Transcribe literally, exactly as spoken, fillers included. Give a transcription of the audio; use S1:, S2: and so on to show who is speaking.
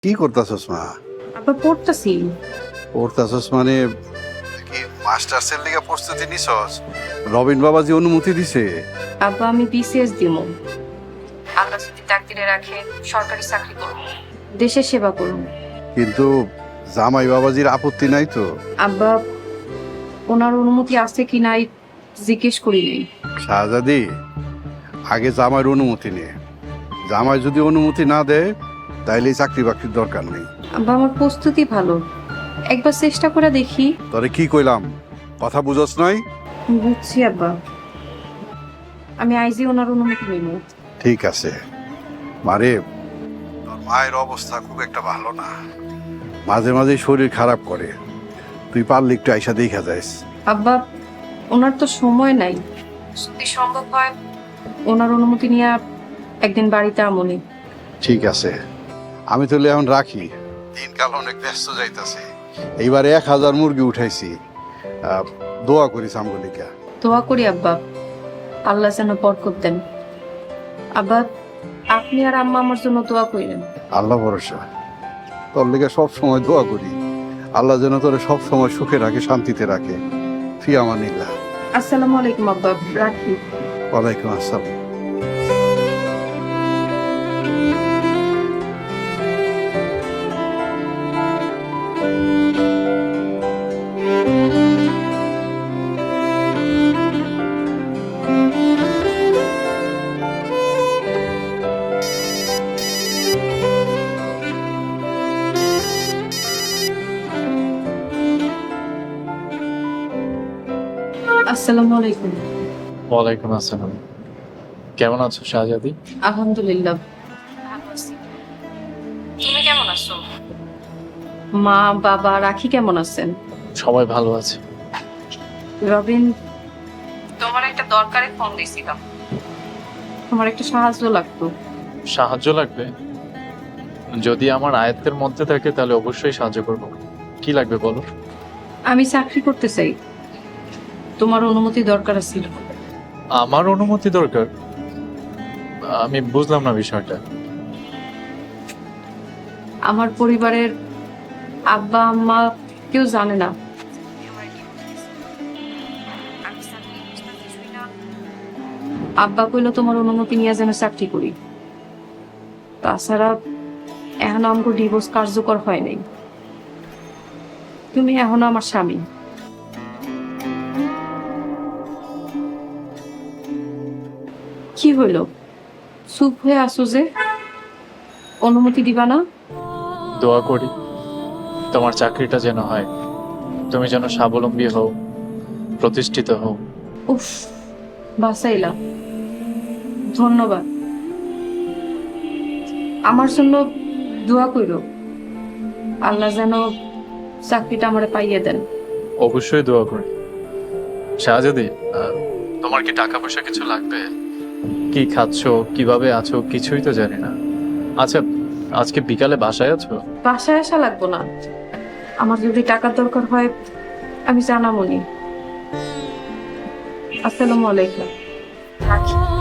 S1: কি করতাছস মা?
S2: আবার পড়তাছি।
S1: পড়তাছস মানে কি মাস্টার্সের লিগে প্রস্তুতি নিছস? রবিন বাবাজি অনুমতি দিছে?
S2: আব্বা আমি বিসিএস দিমু। আল্লাহ যদি তাকদিরে রাখে সরকারি চাকরি করব, দেশের সেবা করব।
S1: কিন্তু জামাই বাবাজির আপত্তি নাই তো?
S2: আব্বা ওনার অনুমতি আছে কি নাই জিজ্ঞেস করি নাই।
S1: শাহজাদি, আগে জামাইয়ের অনুমতি নে। জামাই যদি অনুমতি না দেয় তাইলে এই চাকরি বাকরির দরকার নেই।
S2: আব্বা আমার প্রস্তুতি ভালো, একবার চেষ্টা করে দেখি।
S1: তরে কি কইলাম, কথা বুঝস নাই?
S2: বুঝছি আব্বা, আমি আইজি ওনার অনুমতি নিব।
S1: ঠিক আছে মারে, তোর মায়ের অবস্থা খুব একটা ভালো না, মাঝে মাঝে শরীর খারাপ করে। তুই পারলে একটু আইসা দেখা যাইস।
S2: আব্বা ওনার তো সময় নাই, যদি সম্ভব হয় ওনার অনুমতি নিয়ে একদিন বাড়িতে আমনি।
S1: ঠিক আছে, আমি তাহলে এখন রাখি, দিনকাল অনেক ব্যস্ত যাইতাছে। এইবারে এক হাজার মুরগি উঠাইছি, আহ, দোয়া করিস আমগলিকা।
S2: দোয়া করি আব্বা, আল্লাহ যেন বরকত দেন। আব্বা আপনি আর আম্মা আমার জন্য দোয়া করেন।
S1: আল্লাহ ভরসা, তোর লেগে সব সময় দোয়া করি, আল্লাহ যেন তোরে সব সময় সুখে রাখে, শান্তিতে রাখে। ফি আমানিল্লাহ।
S2: আসসালামু আলাইকুম আব্বা, রাখি।
S1: ওয়ালাইকুম আসসালাম।
S2: আসসালামু আলাইকুম।
S3: ওয়ালাইকুম আসসালাম। কেমন আছো শাহজাদি?
S2: আলহামদুলিল্লাহ ভালো আছি। তুমি কেমন আছো? মা বাবা রাখি কেমন আছেন?
S3: সবাই ভালো আছে।
S2: রবিন, তোমার একটা দরকারে ফোন দিয়েছিলাম, তোমার একটা সাহায্য লাগতো।
S3: সাহায্য লাগবে? যদি আমার আয়ত্তের মধ্যে থাকে তাহলে অবশ্যই সাহায্য করব। কি লাগবে বলো।
S2: আমি চাকরি করতে চাই, তোমার অনুমতি দরকার ছিল।
S3: আমার অনুমতি দরকার? আমি বুঝলাম না বিষয়টা।
S2: আমার পরিবারের আব্বা আম্মা কেউ জানে না। আব্বা কইলো তোমার অনুমতি নিয়ে যেন চাকরি করি। তাছাড়া এখন আমাকে ডিভোর্স কার্যকর হয় নাই, তুমি এখন আমার স্বামী। কি হইল, চুপ হয়ে আসো যে? অনুমতি দিবা না?
S3: দোয়া করি তোমার চাকরিটা যেন হয়, তুমি যেন স্বাবলম্বী হও, প্রতিষ্ঠিত হও।
S2: উফ, বাসাইলা, ধন্যবাদ। আমার জন্য দোয়া কইরো, আল্লাহ যেন চাকরিটা আমারে পাইয়ে দেন।
S3: অবশ্যই দোয়া করি। শাহজাদি, আহ, তোমার কি টাকা পয়সা কিছু লাগবে? কি খাচ্ছো, কিভাবে আছো কিছুই তো জানি না। আচ্ছা, আজকে বিকালে বাসায় আছো?
S2: বাসায় আসা লাগবো না, আমার যদি টাকার দরকার হয় আমি জানামনি। আসসালামু আলাইকুম। থাকি।